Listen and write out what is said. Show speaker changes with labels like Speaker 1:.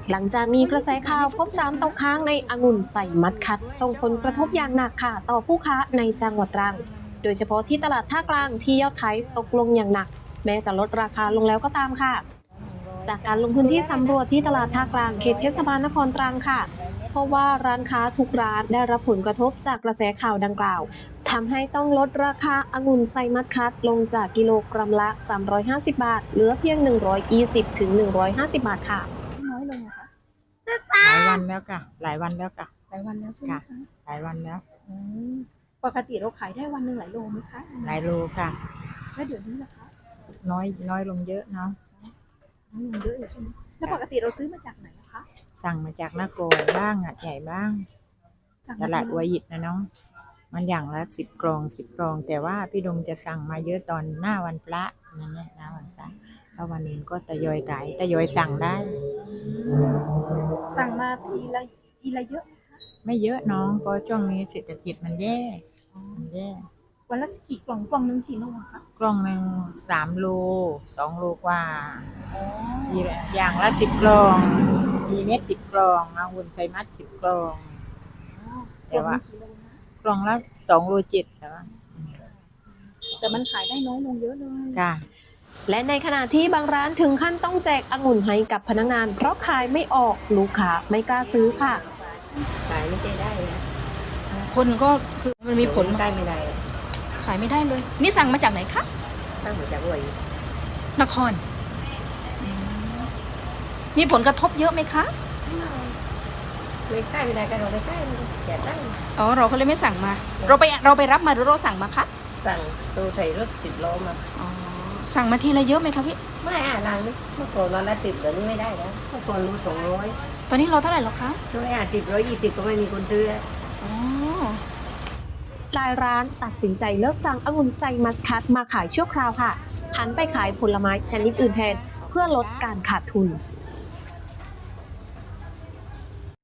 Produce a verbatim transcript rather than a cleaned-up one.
Speaker 1: หลังจากมีกระแสข่าวพบสารตกค้างในองุ่นใส่มัดคัดส่งผลกระทบอย่างหนักค่ะต่อผู้ค้าในจังหวัดตรังโดยเฉพาะที่ตลาดท่ากลางที่ยอดขายตกลงอย่างหนักแม้จะลดราคาลงแล้วก็ตามค่ะจากการลงพื้นที่สำรวจที่ตลาดท่ากลางเขตเทศบาลนครตรังค่ะเพราะว่าร้านค้าทุกร้านได้รับผลกระทบจากกระแสข่าวดังกล่าวทำให้ต้องลดราคาองุ่นไซมัดคัดลงจากกิโลกรัมละสามร้อยห้าสิบบาทเหลือเพียงหนึ่งร้อยยี่สิบถึงหนึ่งร้อยห้าสิบบาทค่ะ
Speaker 2: น้อยลงเหรอคะ
Speaker 3: หลายวันแล้วค่ะหลายวันแล้วค่ะ
Speaker 2: หลายวันแล้วใช่ไหมคะ
Speaker 3: หลายวันแล้ว
Speaker 2: อืมปกติเราขายได้วันหนึ่งหลายโลไหมคะ
Speaker 3: หลายโลค่ะ
Speaker 2: แล้วเดี๋ยวนี้ล่ะคะ
Speaker 3: น้อยน้อยลงเยอะเนาะ
Speaker 2: น้อยลงเยอะเลยใช่ไหมแล้วปกติเราซื้อมาจากไหนอะคะ
Speaker 3: สั่งมาจากนาโกบ้างอ่ะใหญ่บ้างตลาดวัวหยิดนะน้องมันอย่างละสิบกล่องสิบกล่องแต่ว่าพี่ดมจะสั่งมาเยอะตอนหน้าวันพระนั่นแหละหน้าวันพระแล้ววันนี้ก็ทยอยขายทยอยสั่งได้
Speaker 2: สั่งมาทีละทีละเยอะ
Speaker 3: ไม่เยอะน้องเพราะช่วงนี้เศรษฐกิจมันแย่มันแย่
Speaker 2: วันละกี่กล่องกล่องหนึ่งกี่โลคะ
Speaker 3: กล่องหนึ่งสามโลสองโลกว่าอย่างละสิบกล่องมีเม็ดสิบกล่องเอาหุ่นใส่มัดสิบกล่องแต่ว่ากล่องละสองโลเจ็ดใช่ไหม
Speaker 2: แต่มันขายได้น้อยลงเยอะเลย
Speaker 3: ค่ะ
Speaker 1: และในขณะที่บางร้านถึงขั้นต้องแจกองุ่นให้กับพนักงานเพราะขายไม่ออกลูกค้าไม่กล้าซื้อค่ะ
Speaker 4: ขายไม่ได้เลย
Speaker 2: คนก็คือมันมีผล
Speaker 4: ได้ไม่ได้
Speaker 2: ขายไม่ได้เลยนี่สั่งมาจากไหนคะ
Speaker 4: สั่งมาจากวัว
Speaker 2: นครมีผลกระทบเยอะไหมคะ
Speaker 4: ไม่ใกล้ไม่ได้กันเราไม่ใกล้แจกได้
Speaker 2: อ๋อเราก็เลยไม่สั่งมาเราไปเราไปรับมาหรือเราสั่งมาคะ
Speaker 4: สั่งตัวใส่รถติดล้อมา
Speaker 2: อ๋อสั่งมาทีละเยอะไหมคะพี่
Speaker 4: ไม่อ่ะรังนี่เมื่อก่อนวันละสิบเดี๋ยวนี้ไม่ได้แล้วเมื่อก่อนรู้สองร้อย
Speaker 2: ตอนนี้เราเท่าไหร่แล้วคะ
Speaker 4: ร้อยอ่ะสิบร้อยยี่สิบก็ไม่มีคนซื้อ
Speaker 2: อ๋อ
Speaker 1: หลายร้านตัดสินใจเลิกสั่งองุ่นไซมัสคัดมาขายชั่วคราวค่ะหันไปขายผลไม้ชนิดอื่นแทนเพื่อลดการขาดทุน